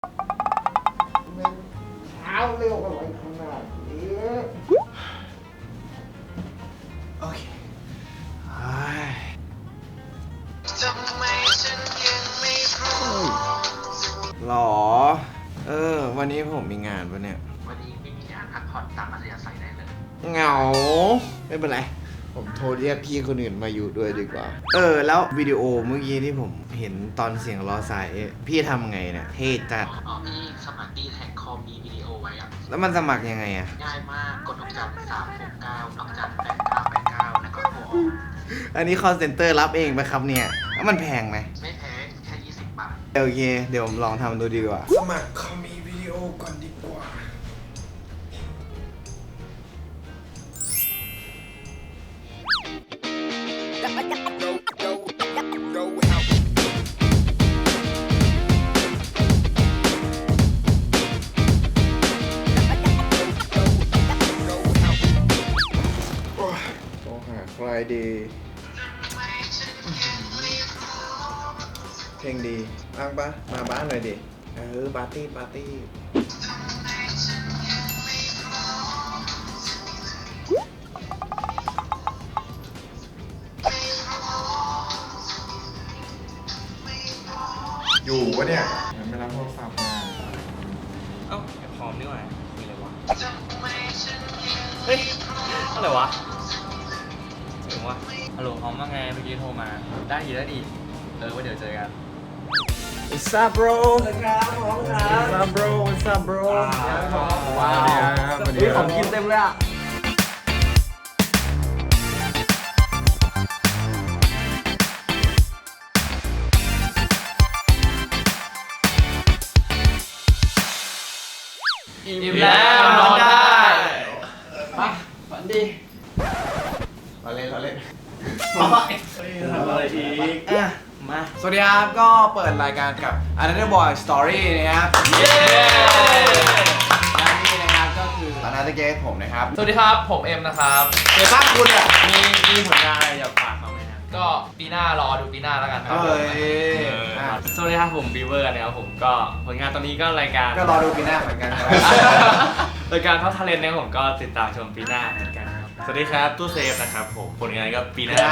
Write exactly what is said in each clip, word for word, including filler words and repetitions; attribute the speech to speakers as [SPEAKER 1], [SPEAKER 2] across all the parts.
[SPEAKER 1] มันเช้าเร็วอะไรขนาดนี้โอเคหรอเออวันนี้ผมมีงานปะเนี่ย
[SPEAKER 2] วันนี้ไม่มีงานพักผ่อนตามอัธยาศัยได้เลย
[SPEAKER 1] เหงาไม่เป็นไรผมโทรเรียกพี่คนอื่นมาอยู่ด้วยดีกว่าเออแล้ววิดีโอเมื่อกี้ที่ผมเห็นตอนเสียงรอสายพี่ทำไงเนี่ยเท่จัด
[SPEAKER 2] อ๋อพี่สมัครดีแท็กคอมมีวิดีโอไว้อะ
[SPEAKER 1] แล้วมันสมัครยังไงอะ
[SPEAKER 2] ง่ายมากกดดอกจันสามหกเก้าดอกจันแปดเก้าแปดเก้าแล้วก็โทรออก
[SPEAKER 1] อันนี้ call center รับเองไหมครับเนี่ยแล้วมันแพงไหม
[SPEAKER 2] ไม่แพงแค่ยี่สิบบาท
[SPEAKER 1] โอเคเดี๋ยวผมลองทำดูดีกว่าสมัครคอมมีวิดีโอก่อนดีกว่าต้องหาใครดีเพลงดีอ้างปะมาบ้านหน่อยดิเออปาร์ตี้ปาร์ตี้อยู่วะเนี่ยยังไม่รับโทรศัพท์มา
[SPEAKER 3] เอ้าไอ้พร้อมนี่หว่ามีอะไรวะเฮ้ยอะไรวะถึงวะฮัลโหลพร้อมว่าไงเมื่อกี้โทรมาได้ดีได้ดีเออว่าเดี๋ยวเจอกัน
[SPEAKER 1] What's up bro ครับพร้อมครับ What's up bro What's up bro
[SPEAKER 3] ว้าววันนี้ของกินเต็มเลยอ่ะอิ่มแล้วนอนได้มาฝันดี
[SPEAKER 1] เราเล่นเราเล่น
[SPEAKER 3] ทำอะไรอีกอ่ะมา
[SPEAKER 1] สวัสดีครับก็เปิดรายการกับ Another Boy Story นะครับเย้และนี่นะครับก็คือ Another Guest ผมนะครับ
[SPEAKER 3] สวัสดีครับผมเอ็มนะครับ
[SPEAKER 1] เดี๋ยวภาพคุณอ่ะ
[SPEAKER 3] มีมีผลงานอะไรอยากฝากเขาไหมครับก็ปีหน้ารอดูปีหน้าแล้วกันครับ
[SPEAKER 1] เอ้ย
[SPEAKER 3] สวัสดีครับผมบีเวอร์นะครับผมก็ผลงานตอนนี้ก็รายการ
[SPEAKER 1] ก็รอดูปีหน้าเหมือนกันนะ
[SPEAKER 3] รายการท็อปทาเลนต์เนี่ยผมก็ติดตามชมปีหน้าเหมือนกันครับสวัสดีครับตู้เซฟนะครับผมผลงานก็ปีหน้า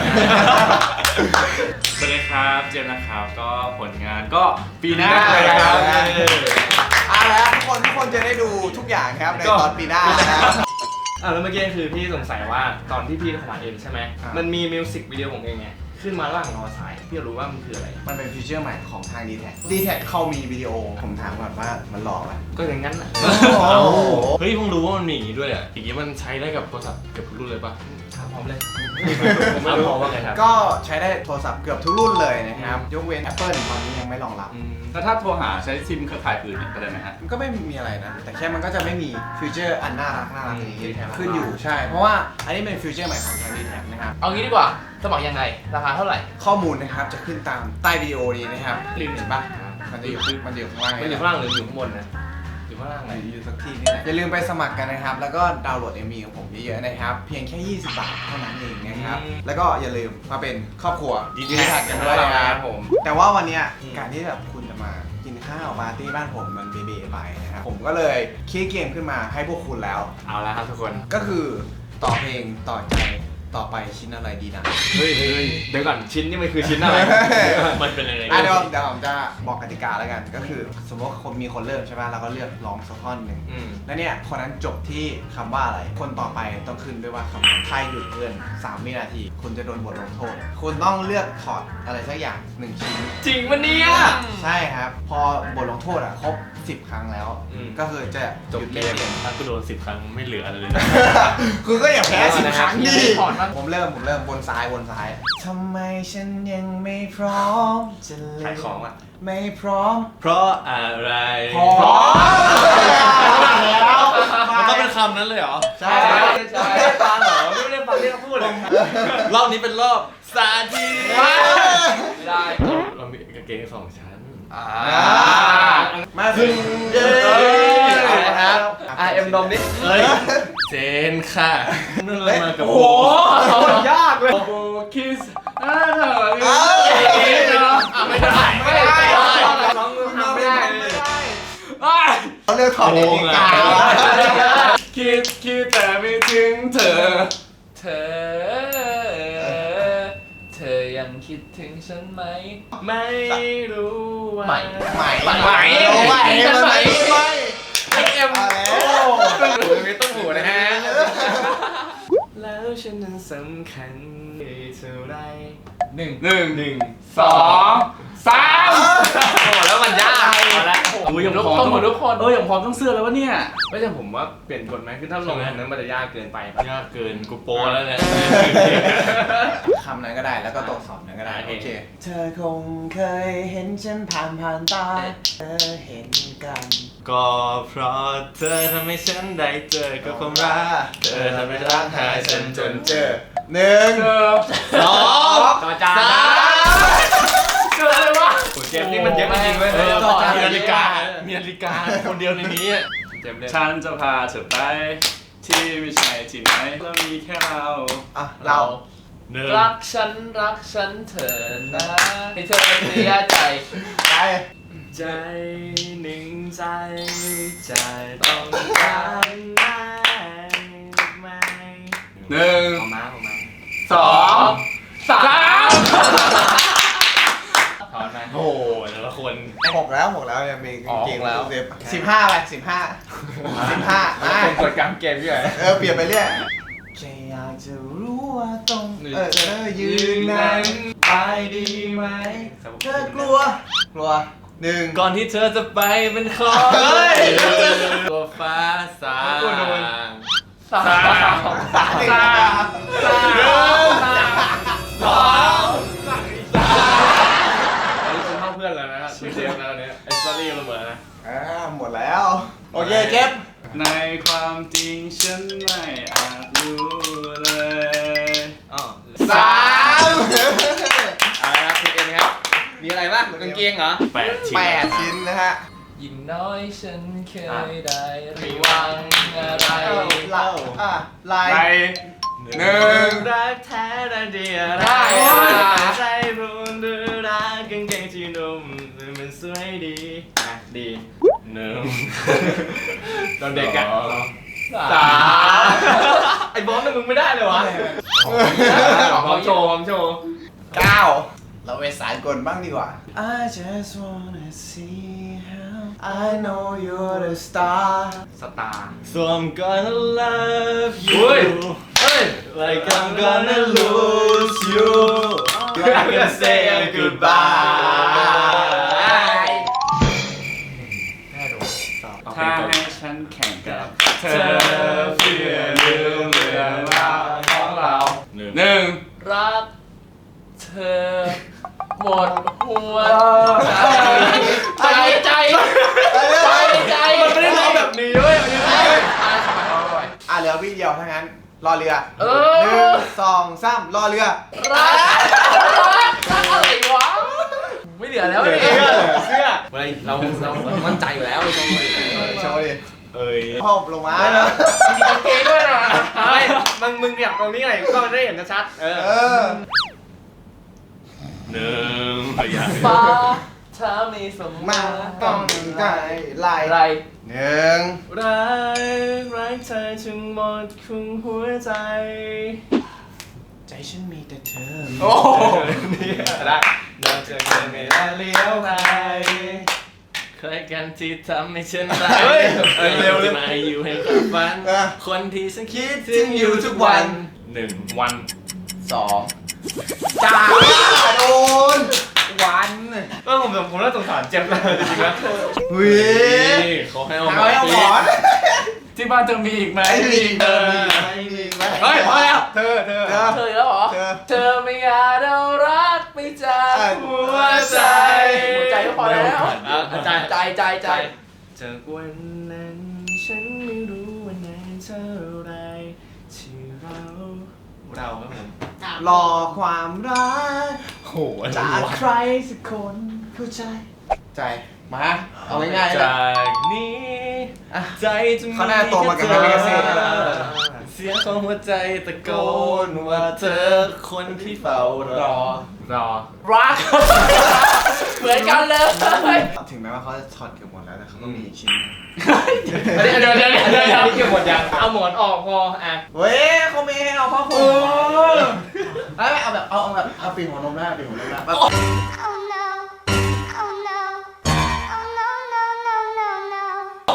[SPEAKER 3] สวัสดีครับเจมส์นะครับก็ผลงานก็ปีหน้าเลยครับ
[SPEAKER 1] อ่ะแล้วทุกคนทุกคนจะได้ดูทุกอย่างครับในตอนปีหน้านะครับ
[SPEAKER 3] อ่ะแล้วเมื่อกี้คือพี่สงสัยว่าตอนที่พี่ทำเองใช่ไหมมันมีมิวสิกวิดีโอของเองไงขึ้นมาระหว่างรอสายพี่รู้ว่ามันคืออะไร
[SPEAKER 1] มันเป็นฟีเจอร์ใหม่ของทาง ดี แท็ก ดี แท็ก เขามีวิดีโอผมถามก่อนว่ามันหลอกไหม
[SPEAKER 3] ก็อย่างนั้นอ่ะเฮ้ยเพิ่งรู้ว่ามันมีอย่างนี้ด้วยอ่ะอย่างนี้มันใช้ได้กับโทรศัพท์เกือบทุกรุ่นเลยป่ะพร้อมเลยผมไม่พร้อมว่าไงครับ
[SPEAKER 1] ก็ใช้ได้โทรศัพท์เกือบทุกรุ่นเลยนะครับยกเว้น Apple ตอนนี้ยังไม่รองรับ
[SPEAKER 4] แล้วถ้าโทรหาใช้ซิมเครือข่ายอื่นก็ได้ไหมฮะ
[SPEAKER 1] มันก็ไม่มีอะไรนะแต่แค่มันก็จะไม่มีฟีเจอร์อันน่ารักน่ารักนี้ขึ้นอยู่ใช่เพราะว่าอันนี้เป็นฟีเจอร์ใหม่ของทาง ดี แท็ก นะครับ
[SPEAKER 3] เอางี้ดีกว่าสมัครยังไงราคาเท่าไหร่
[SPEAKER 1] ข้อมูลนะครับจะขึ้นตามใต้วิดีโอนี้นะครับลิงก์เห็นปะมันจะอยู่มันอยู่ข้างล่าง
[SPEAKER 3] มันอยู่ข้างล่างหรืออยู่ข้างบนนะอยู่ข้างล่างไหน
[SPEAKER 1] อยู่สักที่นี่แหละอย่าลืมไปสมัครกันนะครับแล้วก็ดาวน์โหลด เอ็ม วี ของผมเยอะๆนะครับเพียงแค่ยี่สิบบาทเท่านั้นเองนะครับแล้วก็อย่าลืมมาเป็นครอบครัวดีดีแท็กกันด้วยนะครับผมแต่ว่าวันนี้การที่แบบคุณจะมากินข้าวปาร์ตี้บ้านผมมันเบๆไปนะครับผมก็เลยคิดเกมขึ้นมาให้พวกคุณแล้ว
[SPEAKER 3] เอาละครับทุกคน
[SPEAKER 1] ก็คือต่อเพลงต่อใจต่อไปชิ้นอะไรดีนะ
[SPEAKER 3] เฮ้ยเฮ้ยเดี๋ยวก่อนชิ้นนี่มันคือชิ้นอะไรมันเป็นอะไร
[SPEAKER 1] เดี๋ยวเดี๋ยวผมจะบอกกติกาแล้วกันก็คือสมมติว่าคนมีคนเริ่มใช่ไหมเราก็เลือกร้องสักท่อนหนึ่งแล้วเนี่ยคนนั้นจบที่คำว่าอะไรคนต่อไปต้องขึ้นด้วยว่าคำนั้นใครหยุดเกินสามวินาทีคุณจะโดนบทลงโทษคุณต้องเลือกถอดอะไรสักอย่างหนึ่งชิ้น
[SPEAKER 3] จริงมันเนี่ย
[SPEAKER 1] ใช่ครับพอบทลงโทษอ่ะครบสิบครั้งแล้วก็คือจะ
[SPEAKER 3] จบเกมถ้าคุณโดนสิบครั้งไม่เหลืออะไรเลย
[SPEAKER 1] คุณก็อย่าแพ้สิบครั้งดิผมเริ่มผมเริ่มบนซ้ายบนซ้ายทำไมฉันยังไม่พร้อมจะเล่น
[SPEAKER 3] ขายของอ่ะ
[SPEAKER 1] ไม่พร้อม
[SPEAKER 3] เพราะอะไร
[SPEAKER 1] พร้อม
[SPEAKER 3] แล้วมันต้องเป็นคำนั้นเลยเหรอ
[SPEAKER 1] ใช่
[SPEAKER 3] ใช่ฟังเหรอไม่ได้ฟังที่เขาพูดเลยรอบนี้เป็นรอบสาธิตไม่ได้เรามีกางเกงสองชั้น
[SPEAKER 1] มาถึงเย้
[SPEAKER 3] ครับอ่ะเอ็มดอมนิดเฮ้ยเจนค่ะนั่นเลยมากับโอ้โห
[SPEAKER 1] ยากเลย
[SPEAKER 3] โบคิสอ่าเถอะไม่ได้ไม่ได้น้องทำไม่ได้
[SPEAKER 1] เขาเลือกถอดนาฬิกา
[SPEAKER 4] คิดคิดแต่ไม่ถึงเธอ
[SPEAKER 3] เธอ เธอยังคิดถึงฉันไหม ไม่รู้ว่าไม่
[SPEAKER 1] ใหม่
[SPEAKER 3] ใหม่
[SPEAKER 1] ใหม่ใหม่ใหม่ใหม่
[SPEAKER 3] ไอเอ็ม
[SPEAKER 1] เอาแล้ว
[SPEAKER 3] ต้นหูไม่ต้นหูนะฮะ แล้วฉันนั้นสำคัญเท่าไรหนึ่ง
[SPEAKER 4] หนึ่งหนึ่งสองสาม
[SPEAKER 3] โอ้แล้วมันยากเอาละ
[SPEAKER 4] อุ้ยยังพร้อม
[SPEAKER 3] ต้องหมดทุกคน
[SPEAKER 4] เออยังพร้อมต้องเสื้อแล้ววะเนี่ย
[SPEAKER 3] ไม่ใช่ผมว่าเปลี่ยนกฎไหมคือถ้าลงอันนั้นมันจะยากเกินไป
[SPEAKER 4] ยากเกินกูโปรแล้วเนี่ย
[SPEAKER 1] คำนั้นก็ได้แล้วก็ตัวสอบนั้นก็ได้
[SPEAKER 3] โอ
[SPEAKER 1] โอ
[SPEAKER 3] เค
[SPEAKER 1] เค เธอคงเคยเห็นฉันผ่านผ่านตาเธอเห็นกัน
[SPEAKER 3] ก็เพราะเธอทำให้ฉันได้เจอกับความรักเธอทำให้รักหายฉันจนเจอ
[SPEAKER 1] หนึ่ง
[SPEAKER 3] สองต่อจานเจออะไรวะเกมนี้มันเยอะจริงๆเว้ย
[SPEAKER 4] เออ
[SPEAKER 3] ต่อจาน
[SPEAKER 4] มี
[SPEAKER 3] มี
[SPEAKER 4] นา
[SPEAKER 3] นา
[SPEAKER 4] ฬิ
[SPEAKER 3] ฬิ
[SPEAKER 4] กา
[SPEAKER 3] กามีนาฬิกาคนเดียวในนี้เกมเล่น
[SPEAKER 4] ฉันจะพาเธอไปที่ไม่ใช่ที่ไหนแล้วมีแค่เรา
[SPEAKER 1] อ่ะเรา
[SPEAKER 4] หนึ่ง
[SPEAKER 3] รักฉันรักฉันเถอะนะให้เธอเสียใจ
[SPEAKER 1] ไป
[SPEAKER 3] ใจหนึ่งใจใจต้องการได้ไหม
[SPEAKER 4] หนึ่ง
[SPEAKER 3] เอามาเอามา
[SPEAKER 4] สองสาม
[SPEAKER 3] ถอนมา
[SPEAKER 4] โอ้โหแต่ละคน
[SPEAKER 1] หกแล้วหกแล้วยังมี
[SPEAKER 3] อ๋อ
[SPEAKER 1] เกม
[SPEAKER 3] หกแล้ว
[SPEAKER 1] สิบสิบห้าไปสิบห้าสิบห้ามา
[SPEAKER 3] คนกดกลางเกมพี่ใหญ่
[SPEAKER 1] เออเปลี่ยนไปเรื่อยแค่อยากจะรู้ว่าตรงเออเธอยืนนั้นไปดีไหมเธอกลัว กลัวหนึ่ง
[SPEAKER 3] ก่อนที่เธอจะไปเป็นขอ
[SPEAKER 1] เฮ้ย
[SPEAKER 3] ตัวฟ้าสาง
[SPEAKER 1] สาม
[SPEAKER 3] สาม
[SPEAKER 1] สาม
[SPEAKER 3] สามสองสองอันนี้คุณเข้าเพื่อนแล้วนะครับชื่อเจมส์แล้วเนี่ยไอ้สตอรี่ระเบิดนะ
[SPEAKER 1] อ่าหมดแล้ว โอเคเจ็บ
[SPEAKER 4] ในความจริงฉันไม่อาจรู้เลย
[SPEAKER 3] อ๋อ
[SPEAKER 1] สาม
[SPEAKER 3] เอาละครับคุณเอ็มครับมีอะไรบ้างกางเกงเหรอ
[SPEAKER 4] แปดชิ้น
[SPEAKER 1] แปดชิ้นนะฮะ
[SPEAKER 3] ยิ่งน้อยฉันเคยได้ระวังอะไร
[SPEAKER 1] เล่าอ่ะไล
[SPEAKER 4] ไป
[SPEAKER 1] น์
[SPEAKER 4] หนึ่ง
[SPEAKER 3] รักแท้ได้ดีอะไร
[SPEAKER 1] ได้
[SPEAKER 3] ใจรุนหรือรักกางเกงที่นุ่มมันสวยดีอ่ะดี
[SPEAKER 4] หนึ่ง
[SPEAKER 3] ตอนเด็กอะ
[SPEAKER 4] สอง
[SPEAKER 3] สามไอ้บอสน่ะมึงไม่ได้เลยวะพร้อมโชว์พร้อมโชว์
[SPEAKER 1] เก้าเราไปสายกลบ้างดีกว่า I just wanna see how I know you're the star
[SPEAKER 3] สตาร์
[SPEAKER 4] So I'm gonna love
[SPEAKER 3] เฮ้ย
[SPEAKER 4] you
[SPEAKER 3] เฮ้ย
[SPEAKER 4] like I'm gonna lose you
[SPEAKER 1] I can say goodbye
[SPEAKER 4] ถ้าให้ฉันแข่งกับเธอเพื่อลืมเรื่องราวของเราหนึ่ง
[SPEAKER 3] รักเธอหมดหัวใจใจใจใจมันไม่ได้ร้องแบบนี้เว้ยอ่ะทำไมร้องบ่อย
[SPEAKER 1] อ่ะเหลือวิเดียวทั้งนั้น รอเรือ
[SPEAKER 3] เอ
[SPEAKER 1] หนึ่
[SPEAKER 3] อง
[SPEAKER 1] สองสามรอเรือ
[SPEAKER 3] รักรักรักอะไรวะไม่เหลือแล้วเนี่ยเสื้อเฮ้ยเราเรามั่นใจอยู่แล้วไอ้ตรง
[SPEAKER 1] โชว์ดิ
[SPEAKER 4] เอ้ย
[SPEAKER 1] พ่อลงมา
[SPEAKER 3] มีกางเกงด้วยนะเฮ้ยมึงมึงอยากตรงนี้หน่อยก็ได้เห็นชัดเออ
[SPEAKER 1] เออ
[SPEAKER 4] หนึ่งพยายาม
[SPEAKER 3] ฟ้าถ้ามีสม
[SPEAKER 1] มา
[SPEAKER 3] มา
[SPEAKER 1] ต้องใจไล่
[SPEAKER 3] อะไร
[SPEAKER 1] หนึ่ง
[SPEAKER 3] รักรักเธอจนหมดคุงหัวใจ
[SPEAKER 1] ใจฉันมีแต่เธอ
[SPEAKER 3] โอ้โหนี่ได้เราจะเกินไม่ได้เลี้ยวไปใครกันที่ทำให้ฉันรัก
[SPEAKER 1] เฮ้ย
[SPEAKER 3] เอ้ยเร็วเลยมาอยู่ให้กับฝัน
[SPEAKER 1] เออ
[SPEAKER 3] คนที่ฉันคิ
[SPEAKER 1] คิ
[SPEAKER 3] ด
[SPEAKER 1] ดถึงอยู่ทุกวัน
[SPEAKER 4] หนึ่งวัน
[SPEAKER 1] สองสามโดนวัน
[SPEAKER 3] ก็ผมผมน่าสงสารเจ็บนะจริงๆนะ
[SPEAKER 1] วิ
[SPEAKER 3] นี่เขาให้เอา
[SPEAKER 1] เอาไว้เอาหมอน
[SPEAKER 4] ที่บ้านเธอมีอีกไหม
[SPEAKER 1] ไอ้ดี
[SPEAKER 3] เอ
[SPEAKER 1] เอ
[SPEAKER 3] อ
[SPEAKER 1] อไอ้ดีไหม
[SPEAKER 3] เฮ้ยพอแล้ว
[SPEAKER 1] เธอเธอ
[SPEAKER 3] เธอแล้วเหรอ
[SPEAKER 1] เธอ
[SPEAKER 3] เธอไม่อาจเอารักไปจากหัวใจหัวใจก็พอแล้วใจใจใจใจจากวันนั้นฉันไม่รู้วันไหนเท่าไรที่เราเราครับผม
[SPEAKER 1] รอความรัก
[SPEAKER 3] โห
[SPEAKER 1] จากใครสักคนเข้าใจ ใจ มา เอาง่ายๆนะ
[SPEAKER 3] จากนี้
[SPEAKER 1] อ่ะ
[SPEAKER 3] ใจจะมี
[SPEAKER 1] เขาน่าโตมากับ
[SPEAKER 3] แค่
[SPEAKER 1] แม่เกษตร
[SPEAKER 3] เสียงของหัวใจตะโกนว่าเธอคนที่เฝ้ารอ รอ รักเหมือนกันเลย
[SPEAKER 1] ถึงแม้ว่าเขาจะถอดเกือบหมดแล้วแต่เขาก็มีอีกชิ้นหนึง
[SPEAKER 3] เดี๋ยวเดี๋ยวเดี๋ยวเดี๋ยวนี่เก็บหมดยังเอาหมอนออกพออ่ะ
[SPEAKER 1] เว้ยเขาไม่ให้เอาผ้าห่มเอ้ยเอาแบบเอาเอาแบบเอาปีกหัวนมได้ปีกหัวนมได้แบบ
[SPEAKER 5] Oh no. Oh no. Oh no, no, no, no, no.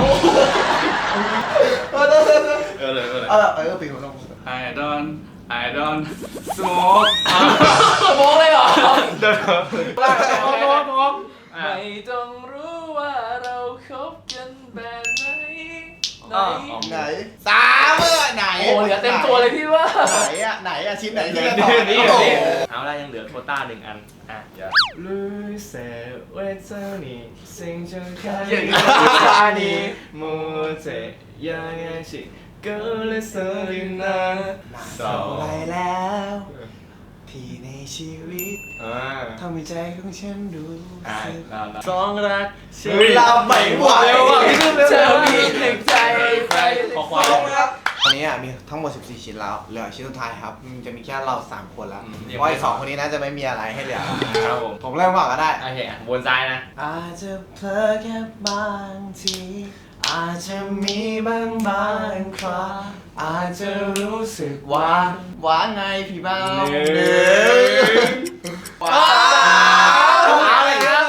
[SPEAKER 1] เออเออเออ
[SPEAKER 4] เออเลยเออเลย
[SPEAKER 1] เอาแบบเออปีกหัวนม
[SPEAKER 4] I don't I don't smoke
[SPEAKER 3] โมงเลยเหรอ
[SPEAKER 4] เดิน
[SPEAKER 3] โมงโมงโมงไม่ต้องรู้ว่าเราคบกันแบบไหนไหน
[SPEAKER 1] ไหนสามเมื่อไหน
[SPEAKER 3] โอ้เหลือเต็มตัวเลยพี่ว่า
[SPEAKER 1] ไหนอะไหนอะชิ้นไหนที่จะ
[SPEAKER 3] นี่
[SPEAKER 1] ต่อ
[SPEAKER 3] นี่
[SPEAKER 1] โอ้โห
[SPEAKER 3] นี่เอาละยังเหลือโควต้าหนึ่งอันอ่ะรู้เสียเวทนี้สิ่งจะแค่ตานี้มัวใจยังไงสิก็เลยสลินนะสอ
[SPEAKER 1] ไป
[SPEAKER 3] ง
[SPEAKER 1] แล้ว ที่ในชีวิต
[SPEAKER 3] อ่า
[SPEAKER 1] ทำให้ใจของฉันดู
[SPEAKER 3] อ่า
[SPEAKER 1] สึก
[SPEAKER 3] สองรัก
[SPEAKER 1] เฮ้ยเราไม่ไหว
[SPEAKER 3] เธอมีหนึ่งใจใครขอความ
[SPEAKER 1] ตอนนี้อ่ะมีทั้งหมดสิบสี่ชิ้นแล้วเหลือชิ้นสุดท้ายครับมันจะมีแค่เราสามคนแล้ว
[SPEAKER 3] อืม
[SPEAKER 1] เพราะอีกสองคนนี้น่าจะไม่มีอะไรให้เหลือ
[SPEAKER 3] ครับผม
[SPEAKER 1] ผมเริ่มก่อนก็ได้
[SPEAKER 3] โอเคอ่ะบนซ้ายนะ
[SPEAKER 1] อาจจะเพลอแค่บางที อาจจะมีบางบางคราอาจจะรู้สึกว่าว่าไงพี่บ้า
[SPEAKER 3] หนึ่ง
[SPEAKER 1] ว้าวอะไรครับ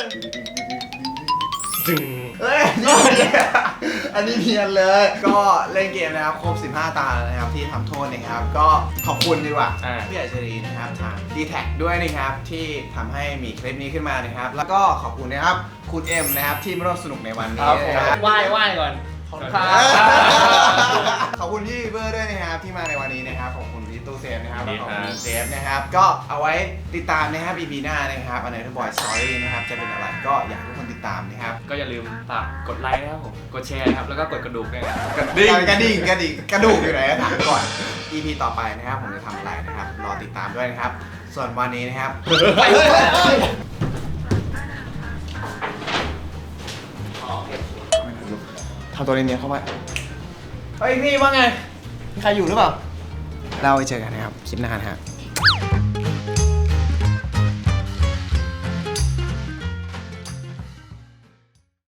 [SPEAKER 1] เฮ้ยอันนี้เนียนเลย ก็เล่นเกมนะครับครบสิบห้าตาแล้วนะครับที่ทำโทษนะครับ ก็ขอบคุณดีกว่า
[SPEAKER 3] อ่า
[SPEAKER 1] พี่อัจฉรินะครับทาง ดี แท็ก ด้วยนะครับที่ทำให้มีคลิปนี้ขึ้นมานะครับ แล้วก็ขอบคุณนะครับคุณเอ็มนะครับที่มาร่วมสนุกในวันนี้นะครับ
[SPEAKER 3] ไหว้ไหว้ก่อน
[SPEAKER 1] ขอบคุณขอบคุณพี่เบอร์ด้วยนะครับที่มาในวันนี้นะครับขอบคุณพี่ตู้เซฟนะครับแล้วก็ขอบคุณเซฟนะครับก็เอาไว้ติดตามนะครับ อี พี หน้านะครับอันไหนที่บอยสตอรี่นะครับจะเป็นอะไรก็อยากให้ทุกคนติดตามนะครับ
[SPEAKER 3] ก็อย่าลืมฝากกดไลค์นะครับผม กดแชร์นะครับ แล้วก็กดกระดูกด้วยนะครับ
[SPEAKER 1] กระดิ่งกระดิ่งกระดิ่งกระดูกอยู่ไหนถามก่อน อี พี ต่อไปนะครับผมจะทำอะไรนะครับรอติดตามด้วยนะครับ ส่วนวันนี้นะครับไปเลยทำตัวเนียนๆเข้าไปเฮ้ยพี่ว่าไงมีใครอยู่หรือเปล่าเราไปเจอกันนะครับคลิปหน้านะครับ